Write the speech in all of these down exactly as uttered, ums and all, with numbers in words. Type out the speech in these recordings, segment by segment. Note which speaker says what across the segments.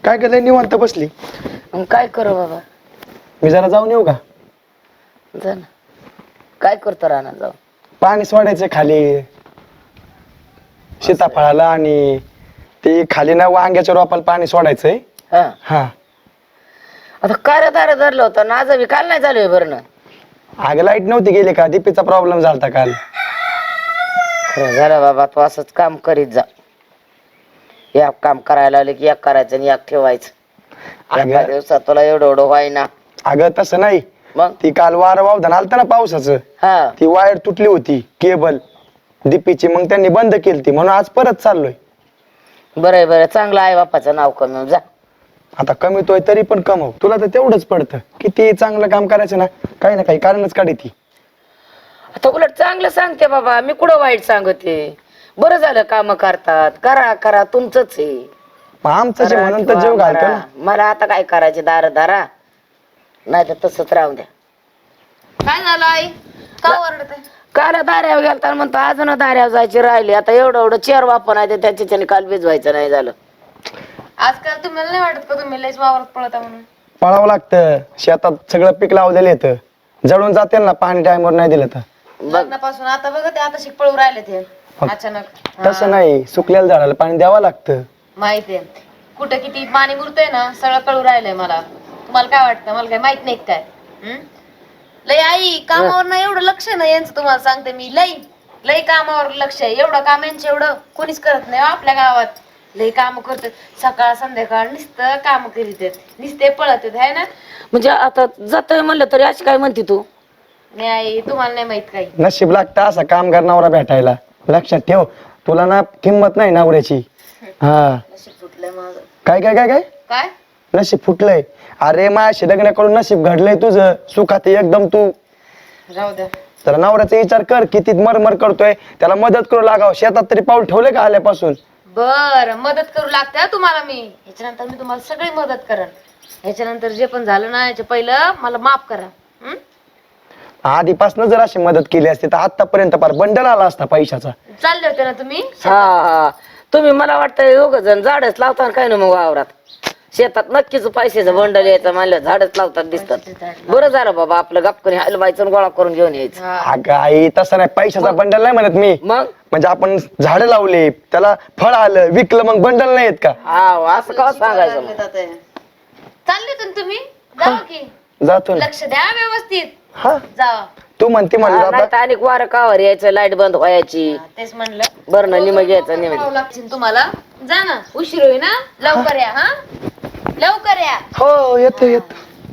Speaker 1: काय केलंय निवांत बसली?
Speaker 2: मग काय करू बाबा?
Speaker 1: मी जरा जाऊन येऊ का?
Speaker 2: जा ना. काय करतो राहणार जाऊ?
Speaker 1: पाणी सोडायचं खाली सीताफळाला आणि ते खाली ना वांग्याच्या रोपाला पाणी सोडायचंय.
Speaker 2: हा
Speaker 1: हा
Speaker 2: आता काय दार धरलं होतं ना आज बी काल नाही चालू आहे भरणं.
Speaker 1: आग लाईट नव्हती गेली का? दीपीचा प्रॉब्लेम झालता काल.
Speaker 2: खरं झालं बाबा, तू असंच काम करीत जा. एक काम करायला लागले की एक करायचं आणि एक ठेवायचं. एका दिवसात तुला एवढं एवढं व्हाय ना.
Speaker 1: अगं तसं नाही,
Speaker 2: मग
Speaker 1: ती काल वारं वावधान आलतं ना पावसाचं,
Speaker 2: हा
Speaker 1: ती वायर तुटली होती केबल दीपीची, मग त्यांनी बंद केली ती, म्हणून आज परत चाललोय.
Speaker 2: बरं बरं, चांगलं आहे बापाचं नाव कमी जा.
Speaker 1: आता कमीतोय तरी पण कमव, तुला तर तेवढंच पडतं. किती चांगलं काम करायचं ना, काही ना काही कारणच काढी ती.
Speaker 2: आता उलट चांगलं सांगते बाबा, मी कुठं वाईट सांगते. बरं झालं काम करतात, करा करा तुमचंच आहे.
Speaker 1: मग आमचं जे म्हणून तर जीव घालतो ना.
Speaker 2: मला आता काय करायचे, दार दारा नाही तर तसंच राहू द्या.
Speaker 3: काय झालं आई? का ओरडते?
Speaker 2: काल दाऱ्यावर गेलता म्हणतो अजून दाऱ्यावर जायची राहिली. आता एवढं एवढं चेअर वापर आहे त्याच्या त्याने काल भिजवायचं नाही झालं.
Speaker 3: आजकाल तुम्हाला नाही वाटत का तुम्ही लयच वावरात पळता म्हणून?
Speaker 1: पळावं लागतं, शेतात सगळं पीक लावलेलं येतं, जळून जाते ना पाणी टाइमवर नाही दिलं तर.
Speaker 3: लग्नापासून आता बघा ते आता शिकपळू राहिले ते अचानक.
Speaker 1: तसं नाही, सुकलेल्या झाडाला पाणी द्यावं लागतं.
Speaker 3: माहितीये कुठं किती पाणी मुरतंय ना, सगळं कळू राहिलंय मला. तुम्हाला काय वाटतं? मला काय माहित नाही काय? हम्म? लय आई कामावर ना एवढं लक्ष नाही यांचं, तुम्हाला सांगते मी. लय लय कामावर लक्ष आहे. एवढं काम यांचं एवढं कोणीच करत नाही आपल्या गावात. लय काम करतात, सकाळ संध्याकाळ नुसतं काम करीत आहेत, नुसते पळत आहेत, है ना?
Speaker 2: म्हणजे आता जातोय म्हणलं तरी अशी काय म्हणते तू?
Speaker 3: नाही आई, तुम्हाला नाही माहित काही.
Speaker 1: नशीब लागतं असा कामगार नवरा भेटायला. लक्षात ठेव, तुला ना किंमत नाही नवऱ्याची. हा
Speaker 3: नशीब फुटलंय माझं.
Speaker 1: काय काय काय काय
Speaker 3: काय
Speaker 1: नशीब फुटलंय? अरे माझ्या लग्नाकडून नशीब घडलंय तुझं, सुखात आहे एकदम तू.
Speaker 3: राहू द्या.
Speaker 1: तर नवऱ्याचा विचार कर, किती मरमर करतोय, त्याला मदत करू लागाव. शेतात तरी पाऊल ठेवले का आल्यापासून?
Speaker 3: बर, मदत करू लागते हा तुम्हाला मी. ह्याच्यानंतर मी तुम्हाला सगळी मदत करेन. ह्याच्यानंतर जे पण झालं ना, याच्या पहिलं मला माफ करा. हं?
Speaker 1: आधीपासून जर अशी मदत केली असती तर आतापर्यंत फार बंडल आला असता पैशाचा.
Speaker 3: चालले होते ना तुम्ही?
Speaker 2: हा हा तुम्ही मला वाटतं दोघ जण झाडच लावतात काय ना मग वावरात. शेतात नक्कीच पैशाचं बंडल यायचं म्हणलं झाडच लावतात दिसतात. बरं झालं बाबा, आपलं गपकरी हलवायचं गोळा करून घेऊन यायचं.
Speaker 1: अगं आई तसं नाही, पैशाचा बंडल नाही म्हणत मी.
Speaker 2: मग
Speaker 1: म्हणजे आपण झाड लावले, त्याला फळ आलं, विकलं, मग बंडल नाही येत का?
Speaker 2: हा असं का सांगायचं मग?
Speaker 3: चालले होते ना तुम्ही? जावा की.
Speaker 1: जातो ना.
Speaker 3: लक्ष द्या व्यवस्थित.
Speaker 1: हा
Speaker 3: जावा.
Speaker 1: तू म्हणते म्हणलं
Speaker 2: नाही तर आणि वारं कावर यायचं, लाईट बंद व्हायची.
Speaker 3: तेच म्हणलं.
Speaker 2: बरं ना, निम घ्यायचं निम.
Speaker 3: करावं लागतील तुम्हाला. जा ना, उशीर होईल ना. लवकर या. हा लवकर या.
Speaker 1: हो येतो येतो.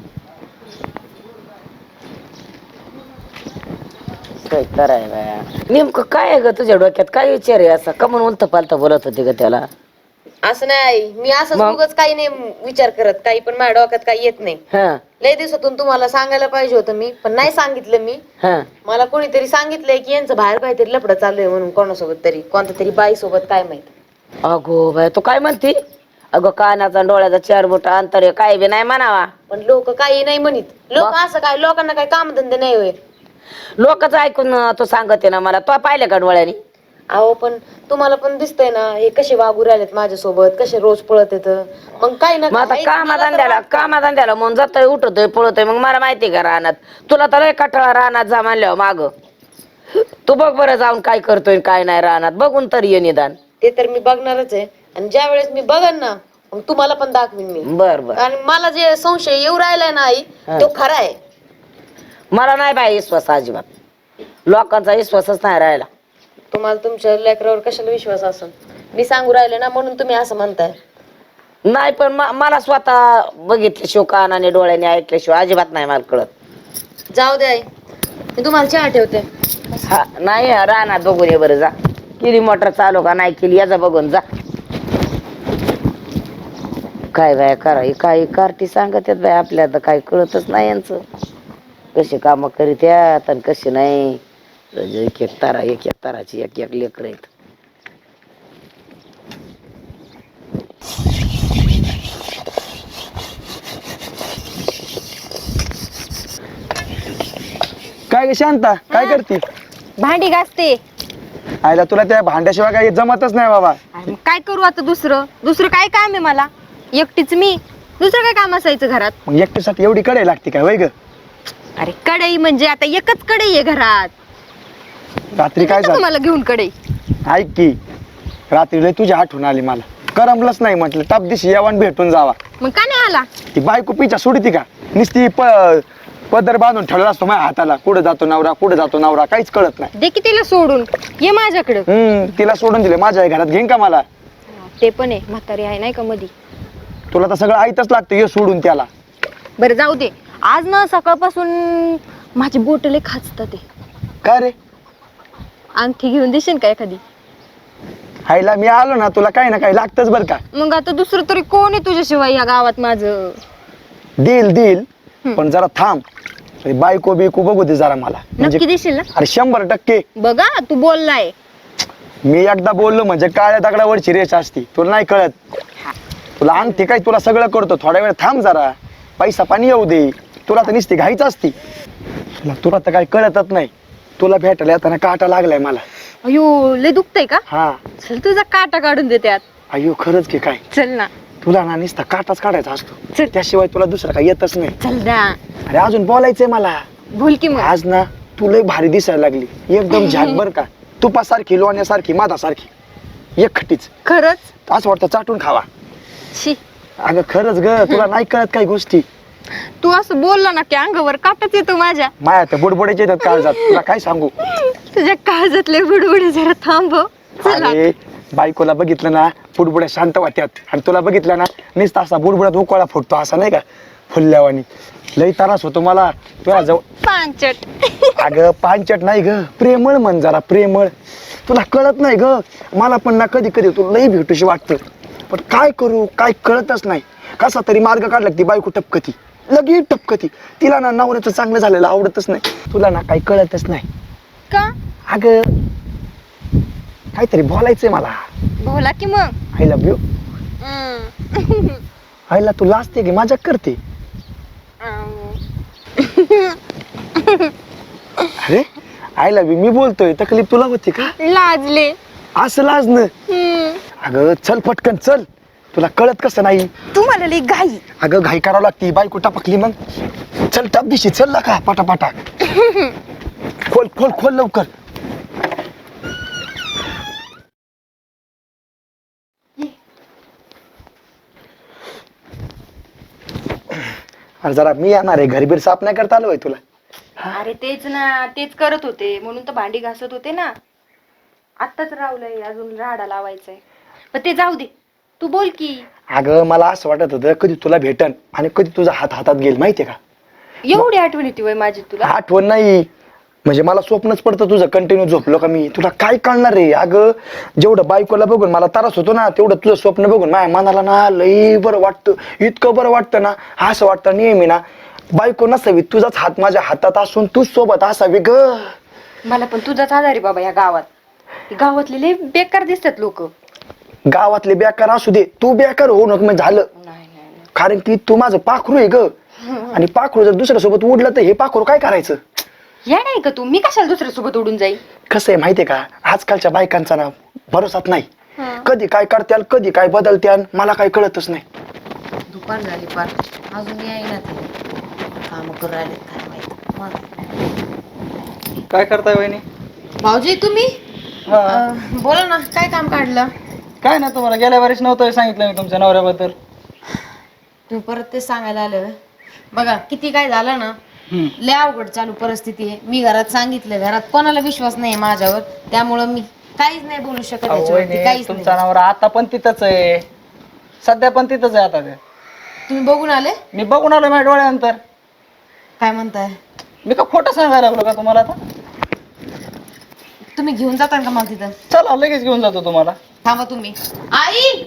Speaker 2: काय करायला नेमकं काय आहे ग तुझ्या डोक्यात? काय विचार आहे असा? कमून उलत पालत बोलत होते ग त्याला?
Speaker 3: असं नाही, मी असं
Speaker 2: मग?
Speaker 3: उगाच काही नाही विचार करत, काही पण माझ्या डोक्यात काही येत नाही.
Speaker 2: हा
Speaker 3: लय दिवसातून तुम्हाला सांगायला पाहिजे होतं मी, पण नाही सांगितलं मी.
Speaker 2: हा
Speaker 3: मला कोणीतरी सांगितलंय की यांचं बाहेर काहीतरी लफडं चालू आहे म्हणून, कोणासोबत तरी, कोणत्या तरी बाई सोबत, काय माहित.
Speaker 2: अगो बाय तू काय म्हणती? अगं कानाचा डोळ्याचा चार बोट अंतर आहे, काय बी नाही म्हणावा.
Speaker 3: पण लोक काही नाही म्हणित. लोक असं काय, लोकांना काय कामधंदे नाही होय.
Speaker 2: लोकच ऐकून तू सांगते ना मला. तो पाहिलं का डोळ्यानी?
Speaker 3: अहो पण तुम्हाला पण दिसतंय ना हे कसे वागू राहिलेत माझ्यासोबत, कसे रोज पळत येत. मग काय ना
Speaker 2: मग आता कामाधंद्याला कामाधंद्याला म्हणून जातोय, उठतोय, पळतोय, मग मला माहिती का रानात? तुला तर लय कटाळा रानात जा म्हणल्यावर माग. तू बघ बरं जाऊन काय करतोय काय नाही रानात, बघून तरी ये निदान.
Speaker 3: ते तर मी बघणारच आहे, आणि ज्या वेळेस मी बघन ना मग तुम्हाला पण दाखवीन मी.
Speaker 2: बर बर.
Speaker 3: आणि मला जे संशय येऊ राहिलाय ना आई, तो खरा आहे.
Speaker 2: मला नाही बाई विश्वास अजिबात. लोकांचा विश्वासच नाही राहिला.
Speaker 3: तुम्हाला तुमच्या लेकरावर कशाला विश्वास असेल? मी सांगू राहिले ना म्हणून तुम्ही असं म्हणताय.
Speaker 2: नाही पण म- मला स्वतः बघितल्याशिवाय कानाने डोळ्याने ऐकल्याशिवाय अजिबात नाही मला कळत.
Speaker 3: जाऊ दे आई, मी तुम्हाला चहा ठेवते.
Speaker 2: हा नाही रानात बघून ये बरं जा. केली मोटर चालू का नाही केली याचा बघून जा. काय बाय करा काही कार्टी सांगत आहेत बाय आपल्या, तर काही कळतच नाही यांचं. कशी कामं करीत यात आणि कशी नाही. एक एक तारा एक एक ताराची एक एक लेकर आहेत.
Speaker 1: काय ग शांता, काय करते?
Speaker 4: भांडी घासते.
Speaker 1: आयला तुला त्या भांड्याशिवाय काही जमतच नाही बाबा.
Speaker 4: अरे मग काय करू आता? दुसरं दुसरं काय काम आहे मला? एकटीच मी, दुसरं काय काम असायचं घरात?
Speaker 1: मग एकट्यासाठी एवढी कढई लागते काय वय ग?
Speaker 4: अरे कढई म्हणजे आता एकच कढई आहे घरात.
Speaker 1: रात्री काय
Speaker 4: देते
Speaker 1: झालं
Speaker 4: तुम्हाला घेऊन कढई.
Speaker 1: ऐक की, रात्री लय तुझी आठवण आली मला. करमलंच नाही म्हटलं टप दिशी यावं भेटून जावा.
Speaker 4: मग का नाही आला?
Speaker 1: ती बायको पिच्या सोडती का? नुसती प पदर बांधून ठेवला असतो माझ्या हाताला. कुठं जातो नवरा, कुठं जातो नवरा, काहीच कळत नाही.
Speaker 4: दे की तिला सोडून, ये माझ्याकडं.
Speaker 1: हम्म तिला सोडून दिले, माझ्या घरात घेईन का मला?
Speaker 4: ते पण आहे, म्हातारी आहे नाही का मधी.
Speaker 1: तुला तर सगळं ऐकच लागतं, ये सोडून त्याला.
Speaker 4: बरं जाऊ दे, आज ना सकाळपासून माझी बोट लय खाचतात ते.
Speaker 1: काय रे?
Speaker 4: आणखी घेऊन देशील का एखादी?
Speaker 1: हायला मी आलो ना, तुला काही ना काही लागतच बर का.
Speaker 4: मग आता दुसरं तरी कोण आहे तुझ्याशिवाय या गावात माझं?
Speaker 1: देईल देईल, पण जरा थांब. बायको बिको बघू दे जरा मला.
Speaker 4: नक्की देशील ना?
Speaker 1: अरे शंभर टक्के.
Speaker 4: बघा तू बोललाय.
Speaker 1: मी एकदा बोललो म्हणजे काळ्या दगडावरची रेष असती, तुला नाही कळत. तुला आणते काय, तुला सगळं करतो. थोड्या वेळ थांब जरा, पैसा पाणी येऊ दे. तुला तर नुसती घाईच असती. तुला तुला तर काही कळतच नाही. तुला भेटायला येताना काटा लागलाय मला.
Speaker 4: अयो लय दुखतय का?
Speaker 1: हा.
Speaker 4: चल तुझा काटा काढून दे त्यात.
Speaker 1: अयो खरंच की काय?
Speaker 4: चल ना.
Speaker 1: तुला ना नुसता काटाच काढायचा असतो,
Speaker 4: चल.
Speaker 1: त्याशिवाय तुला दुसरं काही येतच नाही.
Speaker 4: चल ना.
Speaker 1: अरे अजून बोलायचंय मला.
Speaker 4: बोल की मग.
Speaker 1: आज ना तू लय भारी दिसायला लागली, एकदम झाक बर का. तुपासारखी, लोण्यासारखी, मादासारखी, एकखटीच.
Speaker 4: खरंच?
Speaker 1: असं वाटतं चाटून खावा.
Speaker 4: शी.
Speaker 1: अगं खरंच ग, तुला नाही कळत काही गोष्टी.
Speaker 4: तू असं बोलला ना की अंगावर काटाच येतो माझ्या.
Speaker 1: माया तर बुडबुड्याचे येतात काळजात, तुला काय सांगू.
Speaker 4: तुझ्या काळजातले बुडबुडे जरा थांबव. चला.
Speaker 1: अरे बायकोला बघितलं ना बुडबुड्या शांत वाटतात, आणि तुला बघितलं ना नुसता असा बुडबुड्यात उकळा फुटतो, असा नाही का फुलल्यावानी. लई त्रास होतो मला तुला जवळ.
Speaker 4: पांचट.
Speaker 1: अगं पांचट नाही ग, प्रेमळ म्हण जरा, प्रेमळ. तुला कळत नाही ग. मला पण ना कधी कधी तू लई भेटूशी वाटतं, पण काय करू काय कळतच नाही. कसा तरी मार्ग काढला ती बायको टपकती, लगेच टपकती. तिला ना नवऱ्याचं चांगलं झालेलं आवडतच नाही. तुला ना काही कळतच नाही
Speaker 4: का?
Speaker 1: अगं काहीतरी बोलायचंय मला.
Speaker 4: बोला की मग.
Speaker 1: I love you.
Speaker 4: हम्म.
Speaker 1: आईला तू लाजते की मजाक करते? अरे आय लव्ह यू मी बोलतोय, तकलीफ तुला होती का?
Speaker 4: लाजले.
Speaker 1: असं लाजणं?
Speaker 4: हम्म.
Speaker 1: अगं चल पटकन चल, तुला कळत कसं नाही.
Speaker 4: तुम्हाला लई घाई.
Speaker 1: अगं घाई करावं लागती, बायको टपकली मग. चल टप दिशी चल ना का पटापटा. खोल खोल खोल लवकर. अरे जरा मी येणार आहे, घरबीर साफ नाही करता आलं होय तुला?
Speaker 4: अरे तेच ना, तेच करत होते म्हणून तर भांडी घासत होते ना. आत्ताच रावलंय, अजून राडा लावायचंय. पण ते जाऊ दे, तू बोल की.
Speaker 1: अगं मला असं वाटत होतं कधी तुला भेटन आणि कधी तुझा हात हातात घेईल, माहितीये का?
Speaker 4: एवढी आठवण येते वय माझी तुला?
Speaker 1: आठवण नाही म्हणजे मला स्वप्नच पडतं तुझं, कंटिन्यू झोपलो का मी. तुला काय कळणार रे? अगं जेवढं बायकोला बघून मला त्रास होतो ना, तेवढं तुझं स्वप्न बघून माझ्या मनाला ना लई बरं वाटतं. इतकं बरं वाटतं ना, असं वाटतं नेहमी ना बायको नसावी, तुझाच हात माझ्या हातात असून तूच सोबत असावी ग.
Speaker 4: मला पण तुझाच आधारी बाबा या गावात. गावातले लय बेकार दिसतात लोक.
Speaker 1: गावातले बेकार असू दे, तू बेकार होऊ नको म्हणजे झालं. कारण की तू माझं पाखरू आहे ग, आणि पाखरू जर दुसऱ्या सोबत उडलं तर हे पाखरू काय करायचं?
Speaker 4: या नाही का तू? मी कशाला दुसऱ्या सोबत उडून जाईल?
Speaker 1: कसं आहे माहितीये का, आजकालच्या बायकांचा ना भरोसाच नाही. कधी काय करत्याल, कधी काय बदलत्याल, मला काय कळतच नाही.
Speaker 3: दुपार झाली पार, अजून येईना ते. काम करू राहिले काय माहित.
Speaker 5: काय करताय वहिनी?
Speaker 3: भाऊजी तुम्ही
Speaker 5: हा.
Speaker 3: अं, बोला ना, काय काम काढलं?
Speaker 5: काय ना, तुम्हाला गेल्या वर्षी नव्हतं सांगितलं मी तुमच्या नवऱ्याबद्दल.
Speaker 3: तुम्ही परत ते सांगायला आले होय? बघा किती काय झालं ना, लय अवघड चालू परिस्थिती आहे. मी घरात सांगितलं, घरात कोणाला विश्वास नाही माझ्यावर, त्यामुळं मी काहीच नाही बोलू शकत
Speaker 5: अहो,
Speaker 3: याच्यावरती,
Speaker 5: वहिनी,
Speaker 3: काहीच
Speaker 5: तुमचा
Speaker 3: नाही.
Speaker 5: नवरा आता पण तिथंच आहे, सध्या पण तिथंच आहे. आता ते
Speaker 3: तुम्ही बघून आले?
Speaker 5: मी बघून आलो माझ्या डोळ्यानंतर.
Speaker 3: काय म्हणताय?
Speaker 5: मी का खोटं सांगायला लागलो का तुम्हाला? आता
Speaker 3: तुम्ही घेऊन जाता का मला तिथं?
Speaker 5: चला लगेच घेऊन जातो तुम्हाला.
Speaker 3: थांबा तुम्ही. आई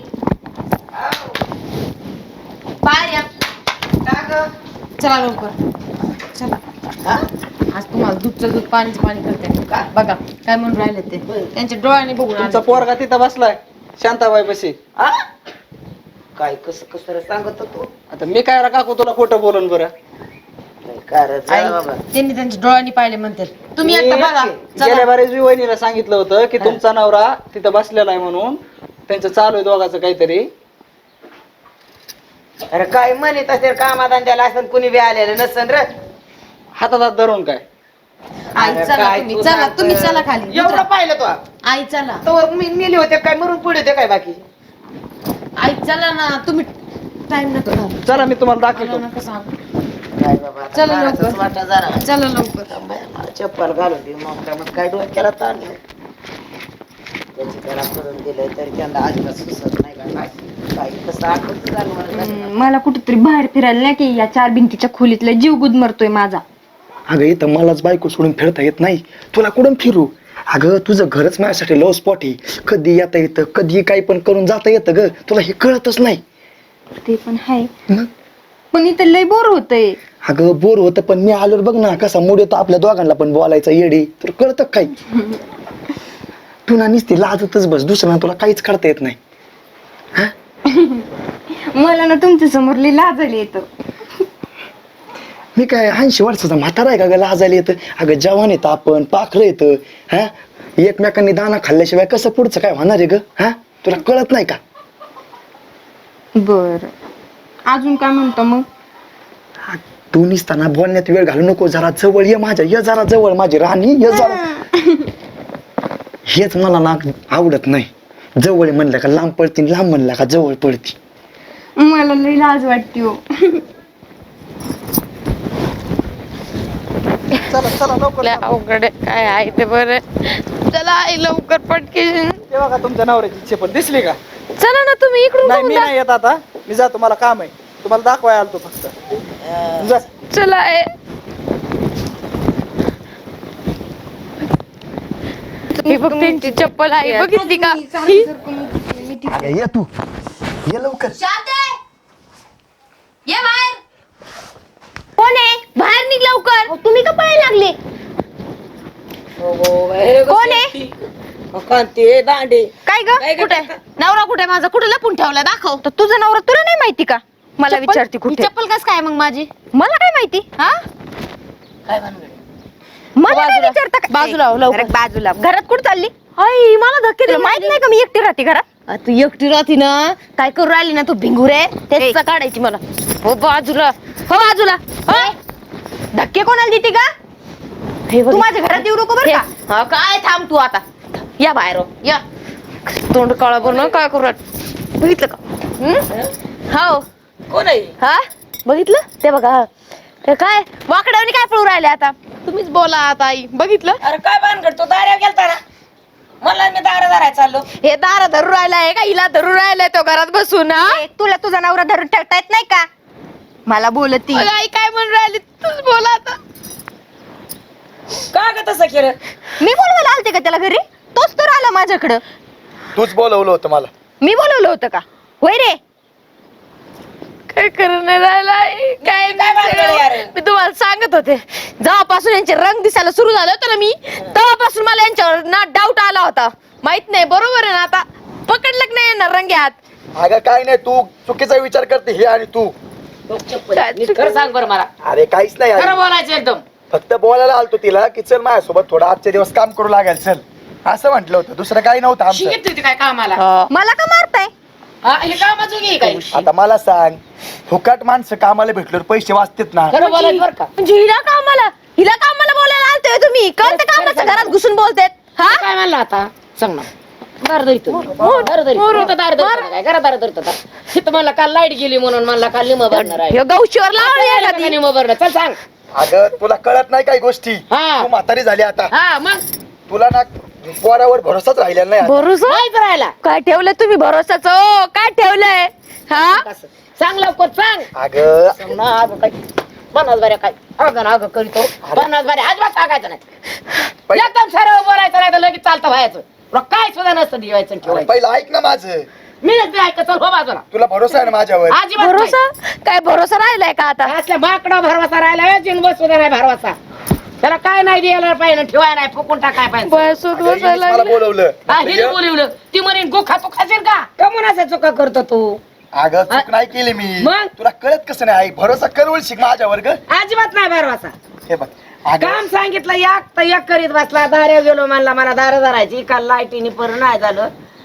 Speaker 3: बाहेर या. चला लवकर चला. आज तुम्हाला दूधचं दूध पाणीचं पाणी करते. बघा काय म्हणून राहिले ते, त्यांच्या डोळ्याने बघून
Speaker 5: तुमचा
Speaker 3: आले.
Speaker 5: पोरगा तिथं बसलाय शांताबाई पशी.
Speaker 2: काय कसं कसं सांगत तू?
Speaker 5: आता मी काय रा काकू तुला खोटं बोलून बरं?
Speaker 3: आई, त्यांनी त्यांच्या डोळ्यांनी पाहिले म्हणतात. तुम्ही एकदा बघा.
Speaker 5: गेल्या
Speaker 3: चला.
Speaker 5: बारीच मी वहिनीला सांगितलं होतं की तुमचा नवरा तिथं बसलेला आहे म्हणून, त्यांचं चालू आहे दोघाचं काहीतरी.
Speaker 2: अरे काय म्हणत असेल कामाधंद्याला असं कुणी बी आलेलं नसन र.
Speaker 5: हातात हात धरून काय
Speaker 3: आई
Speaker 2: अरे
Speaker 3: चला
Speaker 2: काय
Speaker 3: तुम्ही
Speaker 2: तू
Speaker 3: चला
Speaker 2: सांगतं?
Speaker 3: तुम्ही चला खाली
Speaker 2: एवढं पाहिलं तो
Speaker 3: आई चला
Speaker 2: तर मी नेले होते काय मरून पुढे होते काय बाकी.
Speaker 3: आई चला ना तुम्ही टाइम नका घालू.
Speaker 5: चला मी तुम्हाला
Speaker 3: मला
Speaker 5: दाखवतो.
Speaker 3: नका सांगू.
Speaker 2: काय बाबा आता
Speaker 3: चला
Speaker 2: मारायचंच
Speaker 3: लवकर.
Speaker 2: वाटतं जरा.
Speaker 3: चला लवकर
Speaker 2: मला चप्पल घालून दे मग काय मग काय डोक्याला ताणलं त्याची त्याला करून दिलं तरी त्यांना अजिबात सुचत नाही का काय काय कसं आठवत झालं मला.
Speaker 4: हम्म, मला कुठेतरी बाहेर फिरायला नाही की या चार भिंतीच्या खोलीतला जीव गुदमरतोय माझा.
Speaker 1: अगं इथं मलाच बायको सोडून फिरता येत नाही, तुला कुठून फिरू? अगं तुझं घरच माझ्यासाठी लव स्पॉट आहे. कधी येता येतं, कधी काही पण करून जाता येतं ग, तुला हे कळतच नाही.
Speaker 4: ते पण आहे
Speaker 1: मग
Speaker 4: पण इथं लय बोर होतंय.
Speaker 1: अगं बोर होतं पण मी आलोर बघ ना कसा मूड येतो आपल्या दोघांना पण बोलायचा येडी, तर कळतं काय? तू ना नुसती लाजतच बस, दुसऱ्या तुला काहीच करता येत नाही.
Speaker 4: मला ना तुमच्या समोर लय लाजायला येतं.
Speaker 1: मी काय ऐंशी वर्षाचा म्हातारा आहे का ग लाजायला येतं? अगं जवान येतं आपण, पाखरं येतं. हा एकमेकांनी दाना खाल्ल्याशिवाय कसं पुढचं काय होणार आहे ग? हा तुला कळत नाही का?
Speaker 4: बर अजून काय म्हणतो मग?
Speaker 1: तू निसताना बोलण्यात वेळ घालू नको, जरा जवळ ये माझ्या, ये जरा जवळ माझी राणी, ये जरा. हेच मला ना आवडत नाही, जवळ म्हणलं का लांब पडती, लांब म्हणलं का जवळ पडती.
Speaker 4: मला लय लाज वाटते हो.
Speaker 5: चला चला लवकर चला.
Speaker 3: अवघड आहे. काय आहे ते बरं. चला आई लवकर पटके.
Speaker 5: ते बघा तुमच्या नवऱ्याची चप्पल दिसली का?
Speaker 3: चला ना तुम्ही इकडून
Speaker 5: नाही
Speaker 3: बघून
Speaker 5: मी
Speaker 3: जा.
Speaker 5: नाही येत आता, मी जातो, मला काम आहे. तुम्हाला दाखवाय आलतो फक्त. जा.
Speaker 3: चला आई. ही बघ त्यांची चप्पल आहे बघितली का? ही?
Speaker 1: अगं ये तू, ये लवकर.
Speaker 3: ये बाहेर. कोण आहे? बाहेर निघ लवकर. तुम्ही का पळायला लागले? कोण आहे?
Speaker 2: कांती दांडे
Speaker 3: काय ग? कुठे नवरा? कुठे माझा? कुठे लपून ठेवला? दाखव.
Speaker 4: तर तुझा नवरा तुला नाही माहिती का? मला
Speaker 3: चप्पल?
Speaker 4: विचारते
Speaker 3: ही
Speaker 4: कुठे?
Speaker 3: चप्पल कस काय मग माझी?
Speaker 4: मला काय माहिती?
Speaker 3: हा
Speaker 2: काय म्हणलं
Speaker 4: मला काय
Speaker 3: बाजूला.
Speaker 4: विचारता का?
Speaker 3: बाजूला हो, लवकर.
Speaker 4: अरे बाजूला. घरात कुठे चालली?
Speaker 3: आई मला धक्के
Speaker 4: तुला
Speaker 3: देऊन
Speaker 4: माहित
Speaker 3: राहिली.
Speaker 4: नाही का मी एकटी राहते घरात?
Speaker 3: आ, तू एकटी राहती ना, काय करू राहिली ना तू भिंगुरे? तेच काढायची मला. हो बाजूला, हो बाजूला. हो.
Speaker 4: धक्के कोणाला देते का?
Speaker 3: हे बघ.
Speaker 4: तू माझ्या घरात येऊ नको बरं का?
Speaker 3: हा, काय थांब तू आता. या बाहेर हो, या. तोंड काळा बन काय करू राहिली? बघितलं का? हम्म? हो.
Speaker 2: कोण आहे?
Speaker 3: हा बघितलं ते बघा. हे काय वाकड्यावनी काय पळू राहिले आता? तुम्हीच बोला आता आई. बघितलं
Speaker 2: अरे काय भानगड, तो दाऱ्यावर गेलता ना, मला मी दारा दाराय चाललो.
Speaker 3: हे दारा धरू राहिलाय का हिला धरू राहिलाय तो घरात बसून? हा
Speaker 4: ए, तुला तुझा नवरा धरून ठेवता येत नाही का? मला बोलती.
Speaker 3: अगं, आई काय म्हणून राहिली? तूच बोला आता.
Speaker 2: का ग तसं केलं?
Speaker 4: मी बोलवायला आलते का त्याला घरी? तोच तर आला माझ्याकडं.
Speaker 1: तूच बोलवलं होतं मला.
Speaker 4: मी बोलवलं होतं का? होय रे.
Speaker 3: काय करून नाही राहिला आई? काय
Speaker 2: काय भानगड यार?
Speaker 3: मी तुम्हाला सांगत होते, जेव्हापासून यांचे रंग दिसायला सुरू झाले होते ना मी, तेव्हापासून मला यांच्यावर ना डाऊट आला होता. माहित नाही बरोबर आहे ना? आता पकडलं की नाही यांना रंग्यात?
Speaker 1: अगं काय नाही, तू चुकीचा विचार करते हे आणि तू.
Speaker 3: काय
Speaker 2: नीट खरं सांग बरं मला,
Speaker 1: अरे काहीच नाही
Speaker 2: खरं
Speaker 1: आई.
Speaker 2: बोलायचं एकदम.
Speaker 1: फक्त बोलायला आलतो तिला की चल माझ्यासोबत थोडा आजचे दिवस काम करू लागेल, चल असं म्हटलं होतं, दुसरं काही नव्हतं आमचं.
Speaker 2: शिकत होती काय कामाला?
Speaker 3: हा.
Speaker 4: मला का मारताय?
Speaker 2: हा, हे कामाचं घे काय?
Speaker 1: आता मला सांग, फुकट माणसं कामाला भेटल्यावर पैसे वाचतात ना?
Speaker 2: खरं बोलायचं बरं का?
Speaker 3: म्हणजे हिला कामाला हिला कामाला बोलायला आलते तुम्ही? कोणत्या कामाचं घरात घुसून बोलतेत? हा
Speaker 2: काय म्हणलं आता सांग ना. दार धरितो दार धरितो दार धरितो काय घरा दार धरतो का? तिथं मला काल लाईट गेली म्हणून मला काल निम भरणार आहे.
Speaker 3: ह्यो गौशीवर लावली का ती?
Speaker 2: निम भरणार. चल सांग.
Speaker 1: अगं तुला कळत नाही काही गोष्टी,
Speaker 2: हा.
Speaker 1: तू म्हातारी झाली आता,
Speaker 2: हा मग
Speaker 1: तुला ना पोरावर भरोसाच राहिलेला नाही आता.
Speaker 3: भरोसा
Speaker 2: माहित राहिला
Speaker 3: काय ठेवलंय तुम्ही भरोसाच? हो काय ठेवलंय? हा
Speaker 2: कसं? सांग लवकर सांग.
Speaker 1: अगं
Speaker 2: सांग ना अगं काय पन्नास बाऱ्या काय अगं ना अगं करीतो पन्नास बाऱ्या अजिबात सांगायचं नाही.
Speaker 1: पै-
Speaker 2: एकदम सरळ बोलायचं नाही तर लगेच चालतं व्हायचं. तुला काय सुद्धा नसतं दिवायचं आणि ठेवायचं.
Speaker 1: पहिलं ऐक ना माझं,
Speaker 2: मी नसते ऐकत. चल हो बाजूला.
Speaker 1: तुला भरोसा आहे ना माझ्यावर?
Speaker 2: अजिबात नाही.
Speaker 3: भरोसा काय भरोसा राहिलाय का आता?
Speaker 2: असल्या माकडा भरवसा राहिला जिन बस सुद्धा नाही भरवसा. त्याला काय नाही द्यायला पाहिजे ठेवाय नाही फुकून टाकाय पाहिजे.
Speaker 3: बसून
Speaker 1: अगं, हिनेच
Speaker 3: बसायला
Speaker 1: मला
Speaker 3: लागले.
Speaker 1: बोलवलं.
Speaker 2: हा हिने बोलवलं ती म्हणे गोखा तू खाशील का? कमून असं चुका करतो तू?
Speaker 1: अगं चूक नाही केली मी,
Speaker 2: मग?
Speaker 1: तुला कळत कसं नाही आई? भरोसा करवल शिक माझ्यावर ग.
Speaker 2: अजिबात नाही भरवसा.
Speaker 1: हे बघ अगं
Speaker 2: काम सांगितलं एक तर एक करीत बसला. दाऱ्या गेलो म्हणला मला दार धरायची काल लाईटीने पर नाही झालं.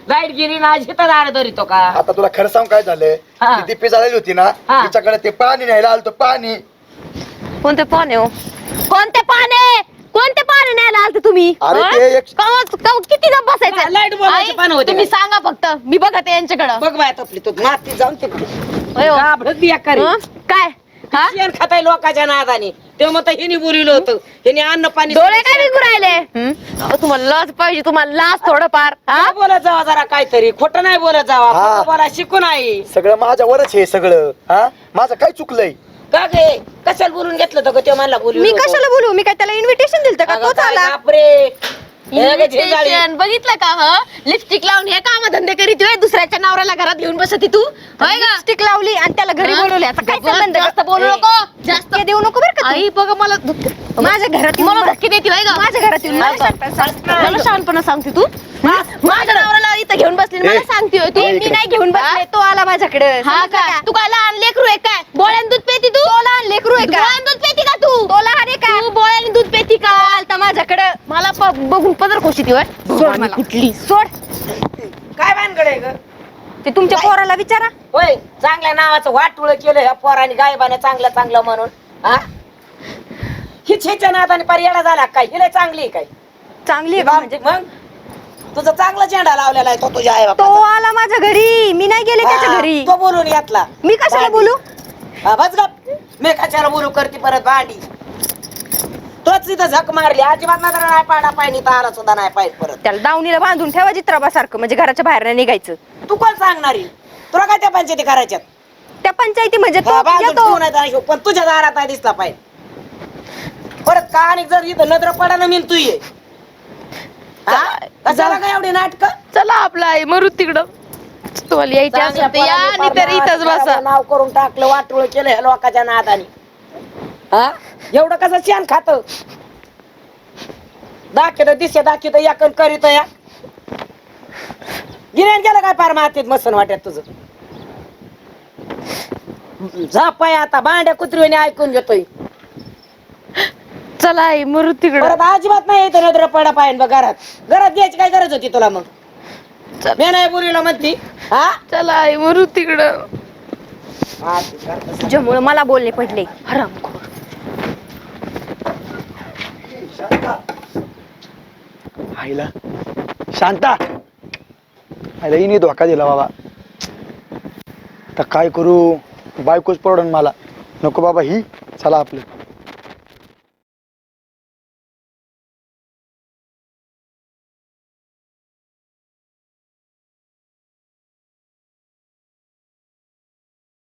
Speaker 2: लाईट गेली ना शेतात आड धरितो का
Speaker 1: आता तुला खरं सांग काय झालंय
Speaker 2: हा.
Speaker 1: ती दिप्पी झालेली होती ना
Speaker 2: हा.
Speaker 1: तिच्याकडे ते पाणी न्यायला आलतो पाणी
Speaker 3: कोणते पाने हो कोणते पाने कोणते पाने न्यायला आलते तुम्ही
Speaker 1: अरे
Speaker 3: हं?
Speaker 1: ते एक-
Speaker 3: कवा- कवा- किती जण बसायचं
Speaker 2: लाईट बोलायचे
Speaker 3: आई,
Speaker 2: पानं होते
Speaker 3: तुम्ही
Speaker 2: का?
Speaker 3: सांगा फक्त मी बघते यांच्याकडं
Speaker 2: बघ बाय तपली तू माती जाऊन तिकडे
Speaker 3: होय हो.
Speaker 2: घाबरत बिया करे
Speaker 3: हं? काय हा
Speaker 2: शेण खाताय लोकांच्या नादाने तेव्हा मग हिने बोलिवलं होतं हिने अन्न पाणी
Speaker 3: डोळे काय विकू राहिले हं? अहो, तुम्हाला लाज पाहिजे तुम्हाला लाज थोडंफार हा
Speaker 2: काय बोलत जावा जरा काहीतरी खोटं नाही बोलत जावा
Speaker 1: हा.
Speaker 2: खोटं बोला शिकून आहे
Speaker 1: सगळं माझ्यावरच हे सगळं हा माझं काय चुकलंय
Speaker 2: का गे कशाला बोलून घेतलं होतं ग ते मला बोलू
Speaker 4: मी कशाला बोलू मी काय त्याला इन्व्हिटेशन दिलं का तोच आला
Speaker 2: बापरे
Speaker 3: Invitation. बघितलं का ह लिपस्टिक लावून हे काम धंदे करीत होय दुसऱ्याच्या नवऱ्याला घरात घेऊन बसती तू होय का
Speaker 4: स्टिक लावली आणि त्याला घरी
Speaker 3: हं?
Speaker 4: बोलवले आता काय
Speaker 3: बघ,
Speaker 4: संबंध
Speaker 3: जास्त बोलू नको जास्त
Speaker 4: ते देऊ नको बरं का तू.
Speaker 3: आई बघा मला धक्के-
Speaker 4: माझ्या घरात येऊन
Speaker 3: मला
Speaker 4: बस.
Speaker 3: धक्के देते होय का
Speaker 4: माझ्या घरात येऊन मला सांगता- सांगता-
Speaker 3: मला शहाणपणा सांगते तू माझ्या नवऱ्याला इथं घेऊन बसली आणि मला
Speaker 1: ए,
Speaker 3: सांगते होय तू
Speaker 1: ए,
Speaker 4: मी नाही घेऊन बसले तो आला माझ्याकडे
Speaker 3: हा का तू काय लहान लेकरू आहे काय बोळ्यान दूध पेती तू
Speaker 4: तो लहान लेकरू आहे का
Speaker 3: बोळ्यान दूध पेती का तू
Speaker 4: तो लहान आहे का
Speaker 3: तू बोळ्याने दूध पेती का
Speaker 4: आलता माझ्याकडे
Speaker 3: मला प- बघून पदर कोशी ती होय
Speaker 4: सोड मला.
Speaker 3: कुठली
Speaker 4: सोड
Speaker 2: काय भानगड आहे ग
Speaker 4: ते तुमच्या पोराला विचारा
Speaker 2: होय चांगल्या नावाचं वाटुळ केलं ह्या पोराने गायबाने चांगलं चांगलं म्हणून हा हिच हिच्या नादाने पर्याडा झाला काय हिला चांगली आहे काय
Speaker 4: चांगली आहे का म्हणजे
Speaker 2: मग तुझं चांगला झेंडा लावलेला आहे तो तुझ्या आई
Speaker 4: तो आला माझ्या घरी मी नाही गेले त्याच्या घरी
Speaker 2: तो बोलून घेतला
Speaker 4: मी कशाला बोलू
Speaker 2: हा, बस गप मी कशाला बोलू करते परत भांडी तोच तिथं झक मारली अजिबात नजर नाही पाडा पाहिजे तर आला सुद्धा नाही पाहिजे परत
Speaker 4: त्याला दावणीला बांधून ठेवा चित्राबासारखं म्हणजे घराच्या बाहेर नाही निघायचं
Speaker 2: तू कोण सांगणारी तुला काय त्या पंचायती करायच्यात
Speaker 4: त्या पंचायती म्हणजे तो
Speaker 2: हा, बाजूला
Speaker 4: येतो.
Speaker 2: ठेवून आहे त्याला, पण तुझ्या दारात नाही दिसला पाहिजे परत का आणि जर इथं नजर पडा ना मी तू ये हा? कशाला काय एवढी नाटक
Speaker 3: चला आपला आई मरू तिकडं तुम्हाला यायची असेल तर या आणि तर इथंच बसा
Speaker 2: नाव करून टाकलं वाटोळ केलं ह्या लोकांच्या नादाने हा एवढं कसं शेण खात दाखित दिसे दाखित या करीत या गिऱ्हाण गेलं काय पार मातीत मसन वाटत तुझं झापाय आता भांड्या कुत्रीने ऐकून घेतोय
Speaker 3: चला आई मरू तिकडं
Speaker 2: परत अजिबात नाही येत नजर पडा पाहिजे बघ घरात घरात घ्यायची काय गरज होती तुला मग मी नाही बोलीला म्हणती हा
Speaker 3: चला आई मरू तिकडं
Speaker 4: तुझ्यामुळे मला बोलणे पडले
Speaker 3: हरामखोर
Speaker 1: आईला शांता आईला हिने धोका दिला बाबा तर काय करू बायकोच पडून मला नको बाबा ही चला आपलं